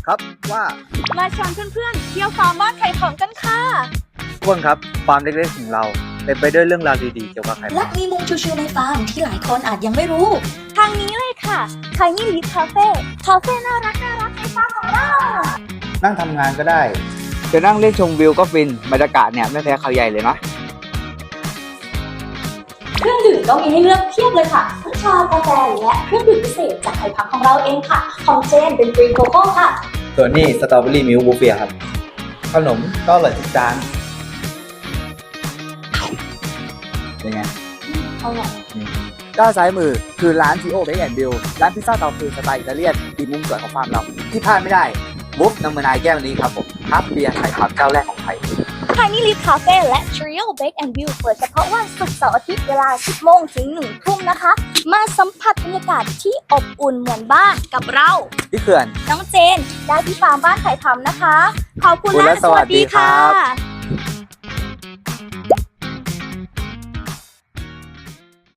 ครับว่ามาชวนเพื่อนๆเที่ยวฟาร์มบ้านไข่ของกันค่ะทุกคนครับฟาร์มเล็กๆของเราเต็มไปด้วยเรื่องราวดีๆเกี่ยวกับไข่และมีมุมชิวๆในฟาร์มที่หลายคนอาจยังไม่รู้ทางนี้เลยค่ะไข่นี่ลิฟคาเฟ่น่ารักในฟาร์มของเรานั่งทำงานก็ได้จะนั่งเล่นชมวิวก็ฟินบรรยากาศเนี่ยไม่แพ้เขาใหญ่เลยนะเครื่องดื่มก็มีให้เลือกเพียบเลยค่ะทั้งชากาแฟและเครื่องดื่มพิเศษจากไข่พักของเราเองค่ะของเจนเป็นฟรีโกโก้ค่ะส่วนนี้สตรอเบอรี่มิลค์บูเฟ่ครับขนมก็อร่อยทุกจานเป็นไงอร่อยด้านซ้ายมือคือร้านทีโอเบคแอนด์บิลร้านพิซซ่าเตาฟืนสไตล์อิตาเลียนอีกมุมสวยของฟาร์มเราที่พลาดไม่ได้บุ๊บน้ำมันายแก้วนี้ครับผมครับเบียร์ไข่พับเจ้าแรกของไทยไข่นี่ลิฟคาเฟ่และ Trio Bake and View เปิดเฉพาะวันศุกร์เสาร์อาทิตย์เวลา 10 โมงถึง 1 ทุ่มนะคะ มาสัมผัสบรรยากาศที่อบอุ่นเหมือนบ้านกับเราที่เขื่อนน้องเจนได้ที่ฟาร์มบ้านไข่ทำนะคะขอบคุณและสวัสดีครับ